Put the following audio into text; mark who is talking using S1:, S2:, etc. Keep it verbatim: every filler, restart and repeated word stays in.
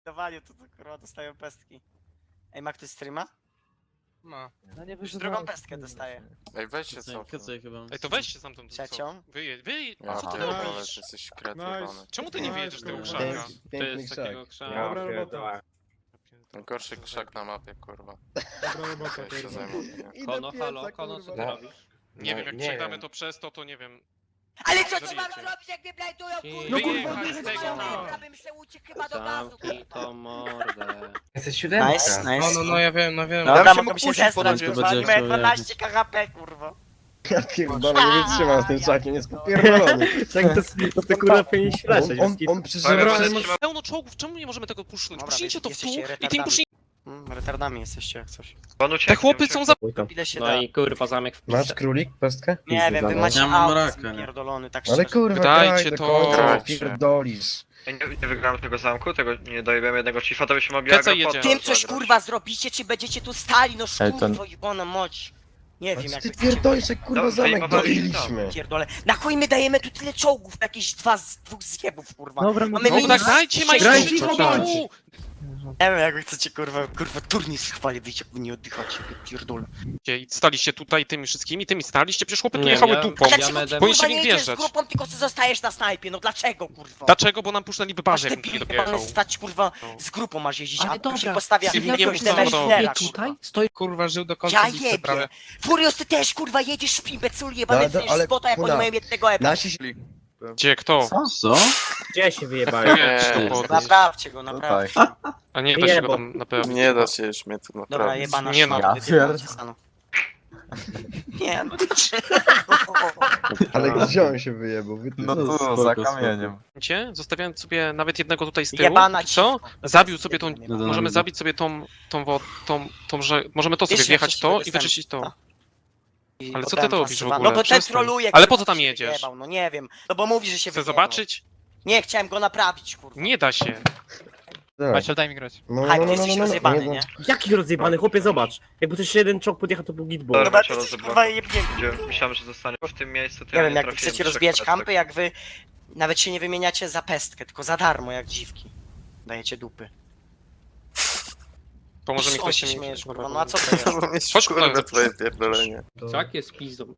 S1: Dawaniu to, to kurwa dostają pestki. Ej, ma ktoś streama?
S2: Ma.
S3: No nie
S1: Już drugą pestkę dostaję.
S4: Ej, weź się
S5: Kacaj,
S4: cofnij.
S5: kacaj chyba.
S2: Ej, to weźcie stamtąd. co?
S1: Trzecią?
S2: Wyjedź, wyjedź,
S4: Aha,
S2: co ty
S4: ale
S2: robisz?
S4: ty jesteś kretowany.
S2: Czemu ty nie wyjedziesz z tego
S3: Nice,
S2: krzaka?
S3: To jest takiego krzaka.
S6: Dobra robota.
S4: Najgorszy krzak na mapie, kurwa.
S6: Dobra robota,
S4: Ja się
S6: kurwa.
S4: zajmę. nie?
S3: Kono, halo, kono, co ty
S6: No.
S3: robisz?
S2: Nie
S4: No,
S2: wiem, jak
S4: nie
S2: przegramy
S4: wiem.
S2: to przez to, to nie wiem.
S1: Ale co tu
S2: Zabijecie.
S1: mam robić, jak mnie blajdują, kurwa?
S3: No
S2: kurwa,
S1: Kurwa,
S2: z tego,
S1: kurwa,
S6: no.
S1: bym se uciekł chyba do gazu,
S3: Zamknij
S1: kurwa.
S3: to mordę.
S7: Jesteś siódemka.
S1: Nice, nice.
S2: No, no, no, ja wiem, no wiem.
S1: Dobra,
S2: Ja się
S1: mogę
S2: mógł
S1: się
S2: puścić po
S1: zestrać,
S2: lodzie.
S1: kurwa,
S5: Będzie
S1: nie
S5: chciał
S1: dwanaście K H P, kurwa.
S6: Ja pierdolę, nie wytrzymam z tym czakiem, jest popierdolony.
S7: Tak to, to ty kurwa powinieneś leżeć.
S6: On, on, on przeżywa...
S2: Pełno czołgów, czemu nie możemy tego puszczać?
S1: Dobra,
S2: Puśnijcie to w
S1: jesteście
S2: tu i tym
S1: retardami.
S2: puśnijcie.
S1: Mm, retardami jesteście jak coś.
S2: Te chłopy są za...
S1: Ile się da?
S3: No i kurwa zamek w
S6: Masz królik, pestkę?
S1: Nie wiem, wy macie
S5: Ja mam
S1: autyzm
S5: raka, nie?
S1: pierdolony, tak
S6: Ale
S1: szczerze.
S6: kurwa,
S2: Dajcie
S6: graj do
S2: to.
S6: końca,
S4: Grajcie.
S6: pierdolisz.
S8: Nie, nie wygramy tego zamku, tego nie dojebiemy jednego chiefa, to byśmy mogli
S2: Keca
S8: agro
S2: jedzie.
S8: pod-
S1: Tym coś
S8: zagrać.
S1: kurwa zrobicie, czy będziecie tu stali, no
S5: Ej, to-
S1: szkurwo jebana moć. Nie
S6: Ale
S1: wiem
S6: co
S1: jak
S6: ty
S1: wy chcecie
S6: pierdolisz, jak kurwa
S8: Dobrze,
S6: zamek
S8: i machaliśmy
S6: doliliśmy.
S1: pierdolę. Na chuj my dajemy tu tyle czołgów, jakieś dwa z dwóch zjebów, kurwa.
S7: Dobra,
S1: Mamy
S2: No
S1: minus
S2: tak, dajcie
S1: sześć-
S2: majstrzy
S6: cicho
S2: czołgu!
S6: bądź.
S1: Nie wiem jak wy chcecie kurwa, kurwa turniej chwali wyjść, jak wy nie oddychacie, wy pierdolę.
S2: I staliście tutaj tymi wszystkimi, tymi staliście, przecież chłopy tu
S3: Nie,
S2: jechały
S3: ja-
S2: dupą.
S3: ja
S1: Dlaczego
S3: będę-
S1: ty
S2: Powinniście
S1: kurwa
S2: w
S1: nie
S2: nich
S1: jedziesz z
S2: wjeżdżać.
S1: grupą, tylko co zostajesz na snajpie, no dlaczego kurwa?
S2: Dlaczego? Bo nam puszczali
S1: Masz
S2: bazie,
S1: te
S2: jakbym nie
S1: pijany
S2: dojechał.
S1: stać kurwa,
S2: No.
S1: z grupą masz jeździć,
S3: Ale
S1: a tu się
S3: dobra,
S1: postawia
S2: ja
S1: jakiegoś
S2: wiem, co
S1: Demerchera,
S2: robić.
S1: kurwa.
S3: stoi.
S2: Kurwa, żył do
S1: Ja jebie! Furios, ty też kurwa jedziesz imbeculu jebany,
S6: Ale-
S1: ale,
S6: ale,
S1: spota jak oni
S6: kurwa,
S1: mają jednego epa.
S6: Nasi...
S2: Gdzie, kto?
S5: Co? Co?
S7: Gdzie się wyjebałem?
S2: Jedź to
S4: Nie,
S2: podnieść.
S1: Naprawcie go, naprawcie.
S2: A nie da się go
S7: Jebo.
S2: tam naprawić.
S4: Nie da się już mnie tu
S1: Dobra,
S4: naprawić.
S1: jebana
S2: Nie no.
S1: szmata,
S5: Ja
S1: wypierdolcie stanu. Nie no,
S6: Ale gdzie on się wyjebał? Wy ty...
S5: No tu, za kamieniem.
S2: Gdzie? Zostawiałem sobie nawet jednego tutaj z tyłu.
S1: Jebana
S2: Co?
S1: dziwka.
S2: Zabił sobie tą...
S1: Jebana.
S5: No,
S2: Możemy
S5: no.
S2: zabić sobie tą... tą, wo- tą, tą, że... Możemy to sobie
S1: Wiesz, jak
S2: wjechać
S1: się
S2: to
S1: siebie
S2: i wyczyścić to.
S1: występuje.
S2: Ale co ty
S1: Potem
S2: to robisz w
S1: pasywa-
S2: ogóle?
S1: No bo ten
S2: Przestań.
S1: troluje.
S2: Ale
S1: kurwa,
S2: po co tam
S1: się
S2: jedziesz?
S1: wyjebał, No nie wiem, no bo mówi, że się
S2: Chcę
S1: wyjebał.
S2: zobaczyć?
S1: Nie, chciałem go naprawić, kurwa.
S2: Nie da się.
S6: Tak.
S5: daj mi grać.
S6: No,
S1: Haj,
S6: no,
S1: ty
S6: no,
S1: jesteś
S6: no, no,
S1: rozjebany,
S6: no,
S1: nie?
S7: Jaki rozjebany, chłopie, zobacz. Jakby coś jeden czołg podjechał, to był gitball.
S8: Dobra,
S1: Dobra,
S8: się
S1: ty jesteś
S8: rozjebał.
S1: kurwa jebnięty.
S8: Gdzie- Myślałem, że zostanie w tym miejscu, to
S1: Nie
S8: ja
S1: wiem, jak wy
S8: trafiłem
S1: chcecie
S8: trzech
S1: rozbijać
S8: pestek.
S1: kampy, jak wy nawet się nie wymieniacie za pestkę, tylko za darmo, jak dziwki. Dajecie dupy.
S2: Pomoże mi
S1: Co
S2: ktoś
S1: się
S2: mi-
S1: śmiejesz, kurwa, no a co to jest?
S4: Mieć
S2: Chodź,
S4: kurwa
S2: kurwa,
S4: twoje pierdolenie.
S3: Czak jest pizdą.